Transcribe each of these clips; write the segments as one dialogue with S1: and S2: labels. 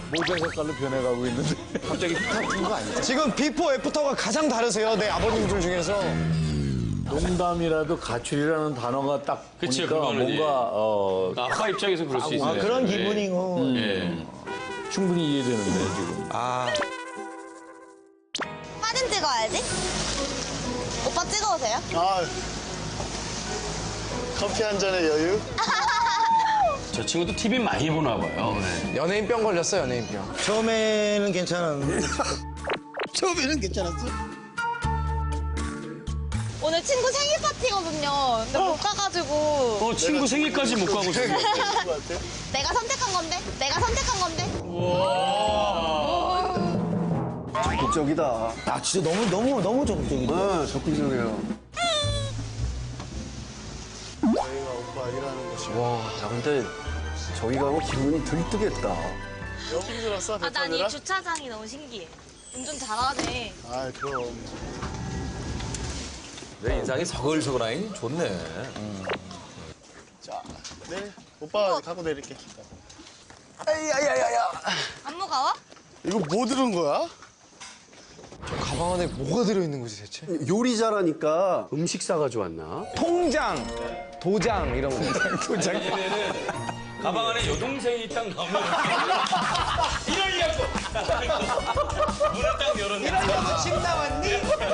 S1: 모자 색깔로 변해가고 있는데 갑자기 힙합인 거 아니야?
S2: 지금 비포 애프터가 가장 다르세요. 내 아버님들 중에서.
S1: 농담이라도 가출이라는 단어가 딱
S3: 그치,
S1: 보니까
S3: 그거는
S1: 뭔가
S3: 아빠 입장에서 그럴 수 있어요.
S2: 그런 기분이고.
S1: 충분히 이해되는데 지금.
S4: 사진 찍어야지. 오빠 찍어오세요.
S5: 아, 커피 한 잔의 여유?
S3: 저 친구도 TV 많이 보나 봐요. 네.
S2: 연예인병 걸렸어, 연예인병.
S6: 처음에는 괜찮았는데.
S5: 처음에는 괜찮았어?
S4: 오늘 친구 생일 파티거든요. 근데 못 가가지고
S3: 친구 생일까지 못 가고 있어요.
S4: 내가 선택한 건데. 내가 선택한 건데.
S6: 적극적이다. 아, 진짜 너무 적극적이다.
S5: 아, 적극적이에요. 저희가 오빠 일하는 곳이.
S6: 와, 야, 근데 저기 가고 기분이 들뜨겠다.
S5: 힘들었어, 배
S4: 아, 난 이
S5: 타느라?
S4: 주차장이 너무 신기해. 운전 잘하네.
S5: 아, 그럼.
S1: 내 인상이 서글서글하니 좋네.
S5: 자, 네. 오빠 갖고 내릴게.
S4: 안 무거워?
S5: 이거 뭐 들은 거야?
S2: 가방 안에 뭐가 들어있는 거지, 대체?
S6: 요리 잘하니까 음식 싸가지고 왔나?
S2: 통장, 도장 이런 거. 도장.
S3: 가방 안에 여동생이 딱 나오면 이러려고 문을 딱 열었네.
S2: 이러려고 집 나왔니?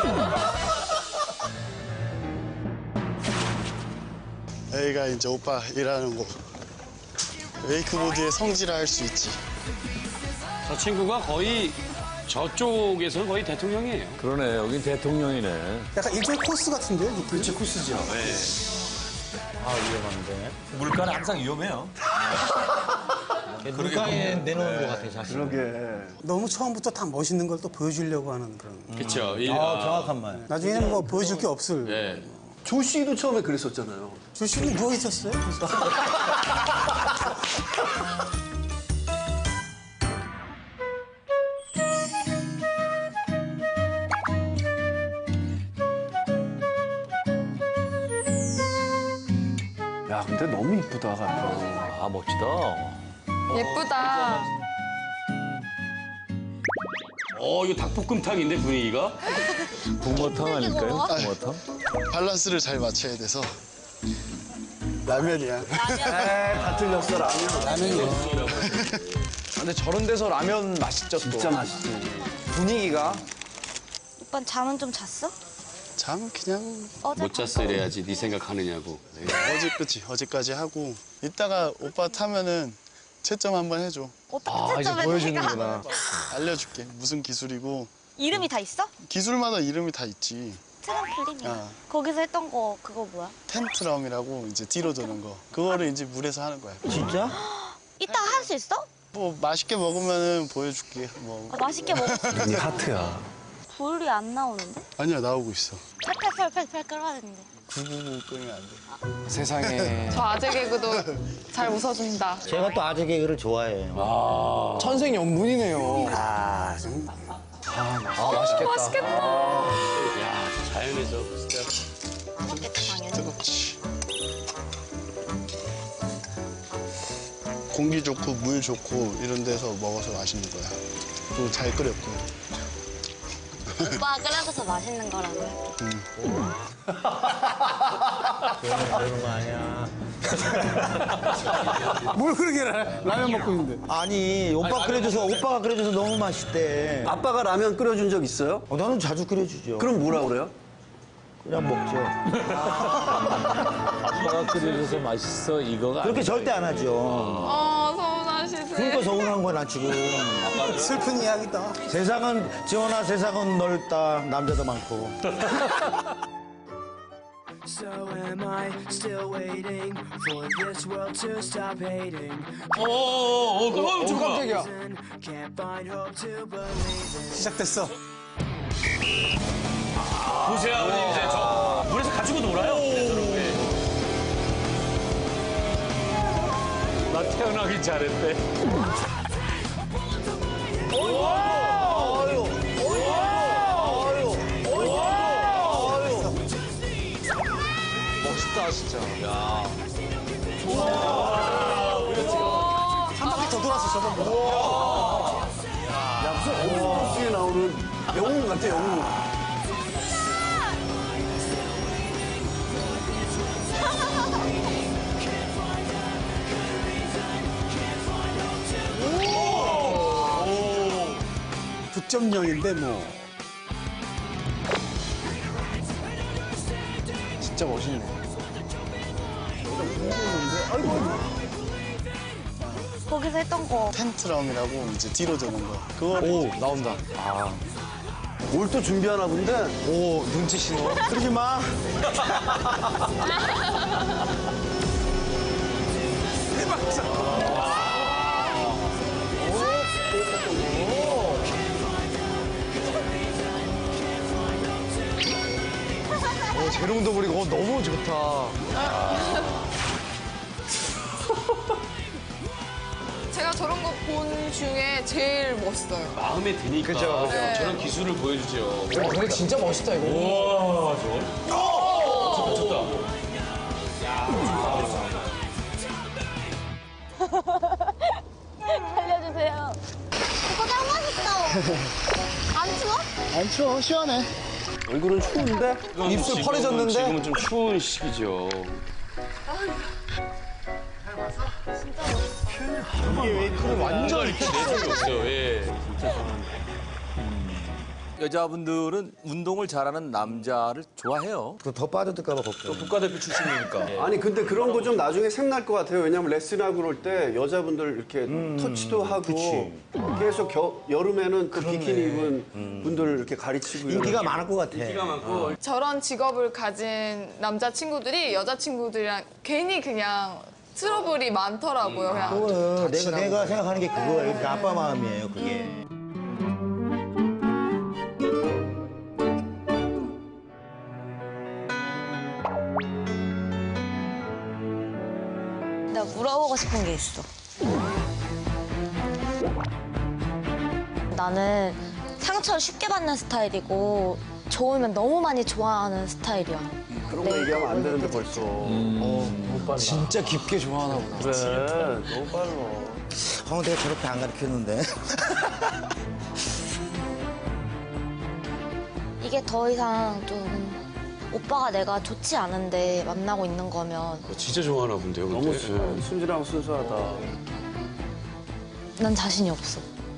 S5: 여기가 이제 오빠 일하는 곳. 웨이크보드의 성지라 할 수 있지.
S3: 저 친구가 거의 저쪽에서는 거의 대통령이에요.
S1: 그러네, 여긴 대통령이네.
S7: 약간 일종의 코스 같은데요? 느낌이?
S6: 그렇지, 코스죠.
S1: 아, 위험한데. 물가는 항상 위험해요.
S6: 물가에 내놓은 것 같아, 사실.
S7: 그러게. 너무 처음부터 다 멋있는 걸 또 보여주려고 하는 그런.
S3: 그렇죠.
S6: 정확한 말.
S7: 나중에는 뭐 보여줄 게 없을.
S3: 네.
S6: 조 씨도 처음에 그랬었잖아요.
S7: 조 씨는 누워 있었어요. 그래서.
S6: 야, 근데 너무 이쁘다, 가끔.
S1: 아, 멋지다.
S8: 예쁘다.
S3: 이거 닭볶음탕인데 분위기가?
S1: 붕어탕 아닐까요?
S4: 뭐야?
S1: 붕어탕?
S5: 밸런스를 잘 맞춰야 돼서. 라면이야.
S6: 다 틀렸어, 라면.
S2: 근데 저런 데서 라면 맛있죠, 또.
S6: 진짜 맛있지.
S2: 분위기가.
S4: 오빠 잠은 좀 잤어?
S5: 잠 그냥
S4: 어제
S3: 못 잤어 이래야지 네 생각하느냐고.
S5: 어제까지 하고 이따가 오빠 타면은 채점 한번 해줘.
S4: 어떻게
S2: 이제
S4: 채점해?
S2: 보여주는구나.
S5: 알려줄게. 무슨 기술이고
S4: 이름이 다 있어?
S5: 기술마다 이름이 다 있지.
S4: 트램플린이야.
S5: 아.
S4: 거기서 했던 거 그거 뭐야?
S5: 텐트럼이라고 이제 뒤로 도는 거. 그거를 이제 물에서 하는 거야.
S6: 진짜?
S4: 이따 할 수 있어?
S5: 뭐 맛있게 먹으면은 보여줄게. 뭐
S4: 맛있게 먹을 수 있어.
S6: 이 하트야.
S4: 불이 안 나오는데?
S5: 아니야 나오고 있어.
S4: 팔팔팔팔 끓어야 되는데.
S5: 999 끄면 안 돼.
S2: 세상에.
S8: 저 아재 개그도 잘 웃어준다.
S6: 제가 또 아재 개그를 좋아해요.
S2: 천생연분이네요.
S6: 아,
S2: 맛있겠다.
S8: 맛있겠다.
S3: 야 자연에서 진짜.
S4: 뜨겁겠다 당연히.
S5: 뜨겁지. 공기 좋고 물 좋고 이런 데서 먹어서 맛있는 거야. 또 잘 끓였고.
S4: 오빠 끓여줘서 맛있는 거라고요.
S6: 그러는 거 아니야.
S7: 뭘 그렇게 라면 먹고 있는데.
S6: 아니, 오빠가 끓여줘서 너무 맛있대.
S9: 아빠가 라면 끓여준 적 있어요?
S6: 나는 자주 끓여주죠.
S9: 그럼 뭐라 그래요?
S6: 그냥 먹죠.
S1: 아빠가 끓여줘서 맛있어, 이거가
S6: 그렇게
S1: 아니라
S6: 절대 안 하죠.
S8: 서운하시네.
S6: 그러니까 서운한 거야, 나 지금.
S7: 슬픈 이야기다.
S6: 지원아, 세상은 넓다. 남자도 많고.
S10: So am I still waiting for this world to stop hating?
S2: 깜짝이야.
S10: Can't find hope to believe in.
S7: 시작됐어.
S3: 보세요 아버님 이제 저 물에서 가지고 놀아요. 저렇게.
S1: 나 태어나기 잘했대.
S2: 멋있다, 진짜.
S7: 한 바퀴 더 돌았어, 저번보다.
S9: 어스에 나오는 영웅 같아, 영웅.
S7: 오! 9.0인데 뭐.
S2: 진짜 멋있네.
S4: 거기서 했던 거.
S5: 텐트럼이라고 이제 뒤로 도는 거. 그걸
S2: 오, 나온다.
S9: 뭘 또 준비하나 본데?
S2: 오, 눈치 신호.
S6: 그러지 마.
S2: 재롱도 부리고 너무 좋다.
S8: 제가 저런 거 본 중에 제일 멋있어요.
S3: 마음에 드니까
S2: 그죠, 그죠.
S3: 저런 기술을 보여주죠.
S2: 근데 진짜 멋있다 이거.
S3: 와, 저거. 좋다.
S4: 살려주세요. 오빠 짱 멋있어. 안 추워?
S5: 안 추워, 시원해.
S9: 얼굴은 추운데?
S2: 입술 펄해졌는데?
S3: 지금은 좀 추운 시기죠.
S2: 완전
S3: 이렇게 내성이 없어요. 예.
S1: 여자분들은 운동을 잘하는 남자를 좋아해요.
S6: 더 빠져들까 봐 걱정.
S3: 국가대표 출신이니까.
S9: 아니, 근데 그런 거 좀 나중에 생날 것 같아요. 왜냐면 레슨하고 그럴 때 여자분들 이렇게 터치도 하고 계속 여름에는 그 비키니 입은 분들을 이렇게 가르치고
S6: 인기가 많을 것 같아.
S8: 저런 직업을 가진 남자친구들이 여자친구들이랑 괜히 그냥 트러블이 많더라고요. 그냥.
S6: 그거는 내가 생각하는 게 그거예요. 그러니까 아빠 마음이에요, 그게.
S4: 내가 물어보고 싶은 게 있어. 나는 상처를 쉽게 받는 스타일이고 좋으면 너무 많이 좋아하는 스타일이야.
S9: 그런 거 얘기하면 안 되는데 벌써.
S2: 진짜 깊게 좋아하나 보다.
S9: 그래, 너무 빨라.
S6: 내가 저렇게 안 가르쳤는데.
S4: 이게 더 이상 좀 오빠가 내가 좋지 않은데 만나고 있는 거면
S3: 진짜 좋아하나 본데요, 근데.
S9: 너무 순진하고 순수하다.
S4: 난 자신이 없어.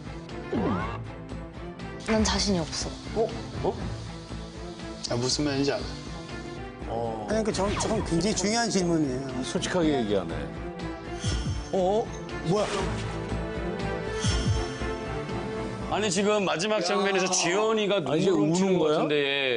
S4: 난 자신이 없어.
S5: 아, 무슨 말인지 알아.
S7: 아니, 그러니까 저건 굉장히 중요한 질문이에요.
S1: 솔직하게 얘기하네.
S2: 뭐야?
S3: 아니, 지금 마지막 장면에서 지연이가
S1: 이제
S3: 눈물 훔치는
S1: 우는
S3: 것
S1: 거야?
S3: 같은데.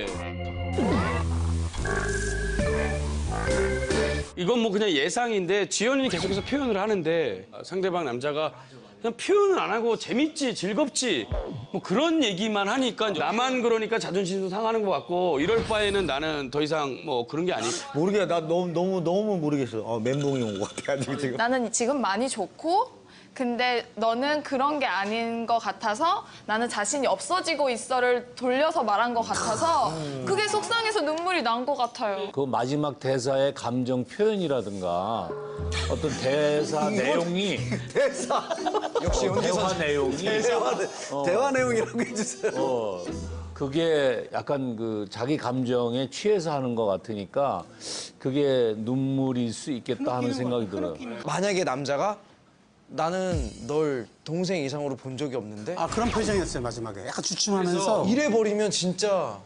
S3: 이건 뭐 그냥 예상인데 지연이는 계속해서 표현을 하는데 상대방 남자가 그냥 표현을 안 하고 재밌지, 즐겁지 뭐 그런 얘기만 하니까 나만 그러니까 자존심도 상하는 것 같고 이럴 바에는 나는 더 이상 뭐 그런 게 아니.
S6: 모르겠어. 나 너무 모르겠어. 멘붕이 온 것 같아, 지금.
S8: 나는 지금 많이 좋고 근데 너는 그런 게 아닌 것 같아서 나는 자신이 없어지고 있어를 돌려서 말한 것 같아서 그게 속상해서 눈물이 난 것 같아요.
S1: 그 마지막 대사의 감정 표현이라든가 어떤 대사 내용이
S2: 역시
S1: 대화 내용이
S9: 대화 내용이라고 해주세요.
S1: 그게 약간 그 자기 감정에 취해서 하는 것 같으니까 그게 눈물일 수 있겠다 하는 생각이 들어요.
S2: 만약에 남자가 나는 널 동생 이상으로 본 적이 없는데
S7: 아, 그런 표정이었어요, 마지막에. 약간 주춤하면서.
S2: 이래 버리면 진짜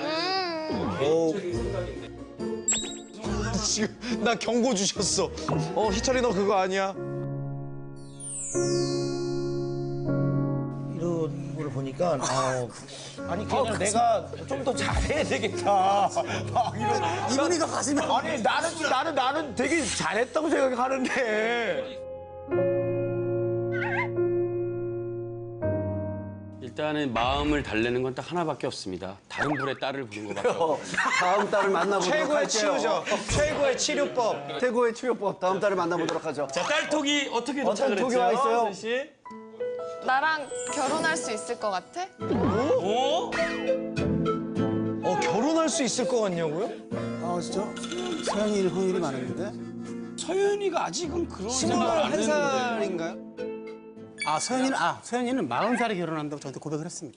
S2: 지금 나 경고 주셨어. 희철이 너 그거 아니야?
S6: 이런 걸 보니까, 아니, 그냥 내가 좀 더 잘해야 되겠다. 막 이런.
S7: 이분이가 가시면.
S6: 아니, 나는 되게 잘했다고 생각하는데.
S3: 일단은 마음을 달래는 건 딱 하나밖에 없습니다. 다른 분의 딸을 부른 것밖에 없어요.
S9: 다음 달을 만나보도록
S2: 최고의
S9: 할게요.
S2: 치료죠. 최고의 치료법.
S9: 최고의 치료법. 다음 달에 만나보도록 하죠.
S3: 자, 딸톡이 어떻게 도착을
S9: 어떤 톡이
S3: 했죠?
S9: 와 있어요?
S3: 선희 씨?
S8: 나랑 결혼할 수 있을 것 같아?
S3: 오?
S2: 결혼할 수 있을 것 같냐고요?
S7: 아, 진짜? 서현이일 확률이 많은데?
S3: 서윤이가 아직은 그런 생각을 안 했는데.
S2: 21살인가요?
S7: 소연이는 40살에 결혼한다고 저한테 고백을 했습니다.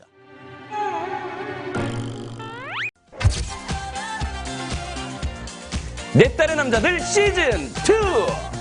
S3: 내 딸의 남자들 시즌 2.